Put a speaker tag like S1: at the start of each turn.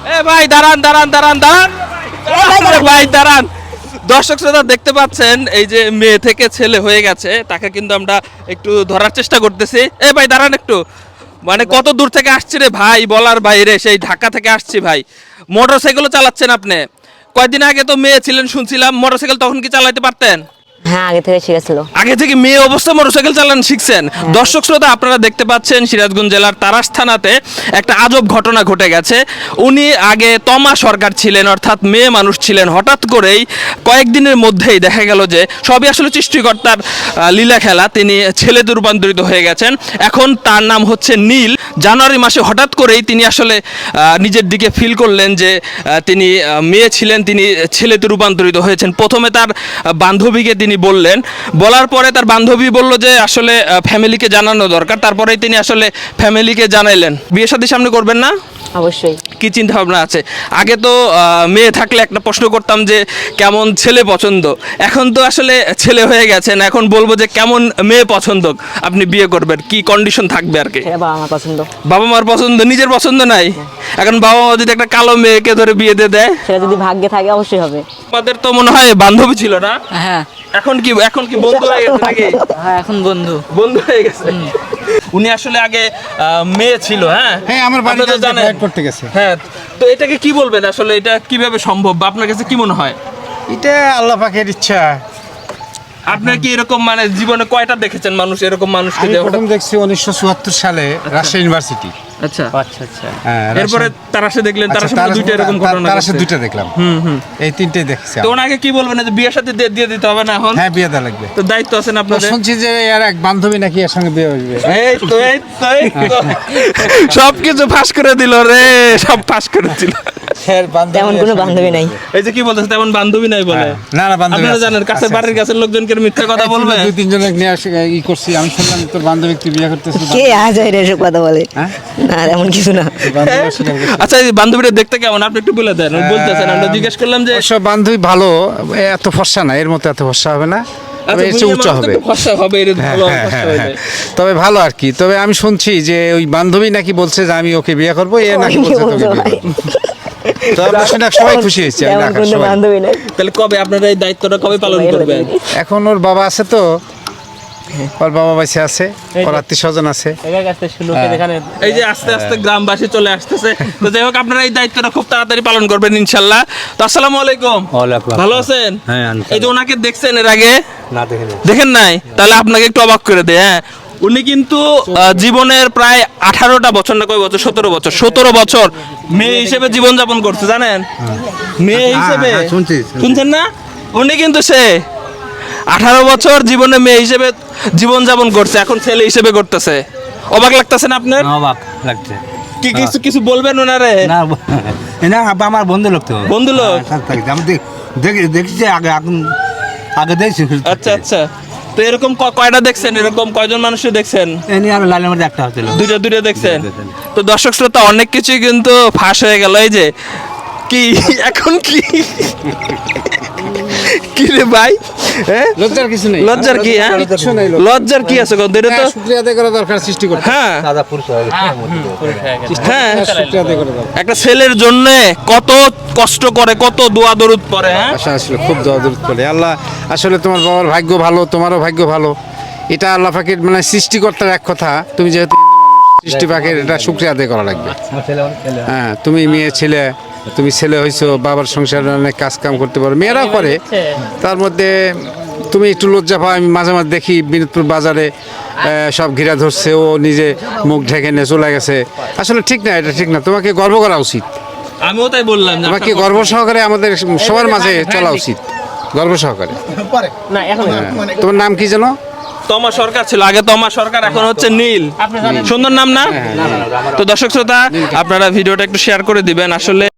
S1: এ ভাই দাঁড়ান দাঁড়ান দাঁড়ান দাঁড়ান ভাই দাঁড়ান। দর্শক শ্রোতা দেখতে পাচ্ছেন এই যে মেয়ে থেকে ছেলে হয়ে গেছে, তাকে কিন্তু আমরা একটু ধরার চেষ্টা করতেছি। এ ভাই দাঁড়ান একটু, মানে কত দূর থেকে আসছি রে ভাই, বলার বাইরে, সেই ঢাকা থেকে আসছি ভাই। মোটরসাইকেলও চালাচ্ছেন আপনি? কয়েকদিন আগে তো মেয়ে ছিলেন শুনছিলাম, মোটরসাইকেল তখন কি চালাতে পারতেন?
S2: হ্যাঁ, আগে থেকে শিখেছিল।
S1: আগে থেকে মেয়ে অবস্থায় মোটরসাইকেল চালানো শিখছেন? দর্শক শ্রোতা আপনারা দেখতে পাচ্ছেন সিরাজগঞ্জ জেলার তারাস থানাতে একটা আজব ঘটনা ঘটে গেছে। উনি আগে তমা সরকার ছিলেন, অর্থাৎ মেয়ে মানুষ ছিলেন। হঠাৎ করেই কয়েকদিনের মধ্যেই দেখা গেল যে সবই আসলে সৃষ্টিকর্তার লীলা খেলা, তিনি ছেলেতে রূপান্তরিত হয়ে গেছেন। এখন তার নাম হচ্ছে নীল। জানুয়ারি মাসে হঠাৎ করেই তিনি আসলে নিজের দিকে ফিল করলেন যে তিনি মেয়ে ছিলেন, তিনি ছেলেতে রূপান্তরিত হয়েছেন। প্রথমে তার বান্ধবীকে তিনি বললেন, বলার পরে তার বান্ধবী বলল যে আসলে ফ্যামিলিকে জানানো দরকার। তারপরেই তিনি আসলে ফ্যামিলিকে জানাইলেন। বিয়ে শাদী সামনে করবেন না?
S2: অবশ্যই।
S1: কি চিন্তা ভাবনা আছে? আগে তো মেয়ে থাকলে একটা প্রশ্ন করতাম যে কেমন ছেলে পছন্দ, এখন তো আসলে ছেলে হয়ে গেছেন, এখন বলবো যে কেমন মেয়ে পছন্দ আপনি বিয়ে করবেন, কি কন্ডিশন থাকবে আর কি?
S2: সেটা বাবা আমার পছন্দ।
S1: বাবা মার পছন্দ, নিজের পছন্দ নাই? এখন বাবা মা যদি একটা কালো মেয়েকে ধরে বিয়ে দিয়ে দেয়,
S2: সেটা যদি ভাগ্যে থাকে অবশ্যই হবে।
S1: আমাদের তো মনে হয় বান্ধবী ছিল না,
S3: হ্যাঁ
S1: এখন কি বন্ধু হয়ে গেছে নাকি?
S3: হ্যাঁ, এখন বন্ধু
S1: বন্ধু হয়ে গেছে। উনি আসলে আগে মেয়ে ছিল। হ্যাঁ
S4: হ্যাঁ, আমার
S1: আপনি তো
S4: বাড়িতে
S1: জানেন।
S4: ফ্লাইট করতে গেছে।
S1: হ্যাঁ, তো এটাকে কি বলবেন আসলে, এটা কিভাবে সম্ভব বা আপনার কাছে কি মনে হয়?
S4: এটা আল্লাহ পাকের ইচ্ছা।
S1: আপনার কি এরকম মানে জীবনে কয়টা দেখেছেন মানুষ, এরকম মানুষকে
S4: আমি
S1: যে
S4: প্রথম দেখছি 1974 সালে রাজশাহী ইউনিভার্সিটি।
S1: আচ্ছা
S3: আচ্ছা আচ্ছা
S4: হ্যাঁ,
S1: এরপরে তারাশে দেখলেন, তারাশে
S4: তারাশে
S1: দুইটা এরকম ঘটনা
S4: তারাশে
S1: ঘটছে।
S4: দুইটা দেখলাম। এই তিনটেই দেখছি।
S1: তো ওনাকে কি বলবেন যে বিয়ের সাথে দিয়ে দিতে হবে না এখন?
S4: হ্যাঁ, বিয়ে দেওয়া লাগবে।
S1: তো দায়িত্ব আছেন
S4: তো
S1: আপনাদের।
S4: শুনছি যে এর এক বান্ধবী নাকি এর সঙ্গে বিয়ে হইবে।
S1: সবকিছু ফাঁস করে দিল রে, সব ফাঁস করে দিল।
S2: তেমন কোনো বান্ধবী নাই।
S1: এই যে কি বলতেছে তেমন বান্ধবী নাই বলে?
S4: না না, বান্ধবী
S1: আপনারা
S4: আছে।
S1: জানেন কাছের
S4: আছে,
S1: বাড়ির
S4: আছে।
S1: কাছের লোকজনকে মিথ্যা কথা বলবে?
S4: দুই তিনজনে নিয়ে আসে ই করছি। আমি শুনলাম তোর বান্ধবী তুই বিয়ে করতেছিস।
S2: কে আজ এসব কথা বলে?
S4: হ্যাঁ?
S2: না, এমন কিছু না।
S4: বান্ধবী অস্বীকার করছে।
S1: আচ্ছা, এই বান্ধবীটা দেখতে কেমন আপনি একটু বলে দেন। বলতেছেন, আমরা জিজ্ঞেস করলাম যে
S4: অবশ্য বান্ধবী ভালো, এত ফর্সা না, এর মতো এত ফর্সা হবে না, তবে
S1: আচ্ছা,
S4: এর চেয়ে
S1: বুড়িয়া
S4: উচ্চ
S1: মানুষ তো
S4: হবে।
S1: একটু ফর্সা হবে, এর
S4: হ্যাঁ,
S1: ভালো
S4: হ্যাঁ,
S1: ফর্সা
S4: হ্যাঁ,
S1: হইলে।
S4: হ্যাঁ। তবে ভালো আর কি। তবে আমি শুনছি যে ওই বান্ধবী নাকি বলছে যে আমি ওকে বিয়ে করবো, এ নাকি
S2: অনেকে
S4: বলছে তোকে
S2: বলছে
S4: বিয়ে
S2: ভাই।
S4: করবো। তো আমরা শুনে সবাই খুশি হয়েছি। আমি
S2: তেমন
S4: ঢাকার
S2: কোনো
S4: সবাই।
S2: বান্ধবী নাই।
S1: তাহলে কবে আপনারা এই দায়িত্বটা কবে পালন করবেন?
S4: এখন ওর বাবা আছে, তো ওর বাবা বাইসে আছে, ওর আত্মীয় স্বজন আছে।
S3: এটার কাছে শুনুকে দেখানে
S1: এই যে আস্তে আস্তে গ্রামবাসী চলে আসতেছে, তো যাই হোক আপনারা এই দায়িত্বটা খুব তাড়াতাড়ি পালন করবেন ইনশাল্লাহ। তো আসসালামু আলাইকুম। ভালো আছেন?
S3: হ্যাঁ,
S1: এই যে ওনাকে দেখছেন এর আগে?
S3: না দেখে
S1: দেখেন নাই? তাহলে আপনাকে একটু অবাক করে দেয়। হ্যাঁ, উনি কিন্তু জীবনের প্রায় 18টা বছর না কয় বছর, 17 বছর মেয়ে হিসেবে জীবনযাপন করছে, জানেন? মেয়ে হিসেবে
S4: হ্যাঁ, শুনছি।
S1: শুনছেন না? উনি কিন্তু সে 18 বছর জীবনে মেয়ে হিসেবে জীবনযাপন করছে, এখন ছেলে হিসেবে করতেছে। অবাক লাগতেছে না আপনার?
S3: অবাক লাগছে।
S1: কি কিছু কিছু বলবেন ওনারে?
S3: না না, আমার বন্ধু লোক তো।
S1: বন্ধু লোক?
S3: আমি দেখছি আগে, এখন আগে দেখছি।
S1: আচ্ছা আচ্ছা, তো এরকম কয়টা দেখছেন? এরকম কয়জন মানুষের দেখছেন?
S3: এনে আমি লালের মধ্যে একটা হচ্ছিল।
S1: দুইটা দেখছেন?
S3: দুইটা দেখছেন।
S1: তো দর্শক শ্রোতা অনেক কিছুই কিন্তু ফাঁস হয়ে গেল। এই যে কি এখন কি কি রে ভাই? হ্যাঁ,
S4: লজ্জার কিছু নেই।
S1: লজ্জার কি? হ্যাঁ,
S4: কিচ্ছু নেই লজ্জার।
S1: লজ্জার কি আছে? এটা তো
S4: শুক্রিয়া আদায় করা দরকার সৃষ্টি করতে।
S1: হ্যাঁ
S3: দাদা পুরুষ হয়ে গেছে।
S1: হ্যাঁ,
S4: শুক্রিয়া আদায় করা দরকার।
S1: একটা ছেলের জন্য কত কষ্ট করে, কত দোয়া দরুদ পড়ে। হ্যাঁ,
S4: আশা আসলে খুব দোয়া দরুদ করে। আল্লাহ আসলে তোমার বাবার ভাগ্য ভালো, তোমারও ভাগ্য ভালো। এটা আল্লাহ পাকের মানে সৃষ্টিকর্তার এক কথা। তুমি যেহেতু সৃষ্টি পাকের, এটা শুকরিয়া আদায় করা লাগবে।
S3: আমার ছেলে অনেক ছেলে।
S4: হ্যাঁ, তুমি মেয়ে ছেলে, তুমি ছেলে হয়েছো, বাবার সংসারে অনেক কাজ কাম করতে পারো, মেয়েরাও করে। তার মধ্যে তুমি একটু লজ্জা পাও। আমি মাঝে মাঝে দেখি বিনোদপুর বাজারে সব ঘিরা ধরছে, ও নিজে মুখ ঢেকে নিয়ে চলে গেছে। আসলে ঠিক না, এটা ঠিক না। তোমাকে গর্ব করা উচিত।
S1: আমিও তাই বললাম যে
S4: তোমাকে
S1: আপনার
S4: গর্ব সহকারে আমাদের সবার মাঝে চলা উচিত, গর্ব সহকারে।
S2: না, এখন
S4: তোমার নাম কি যেন?
S1: তমা সরকার ছিল আগে, তমা সরকার, এখন হচ্ছে নীল। সুন্দর নাম না? তো দর্শক শ্রোতা আপনারা ভিডিওটা একটু শেয়ার করে দিবেন আসলে।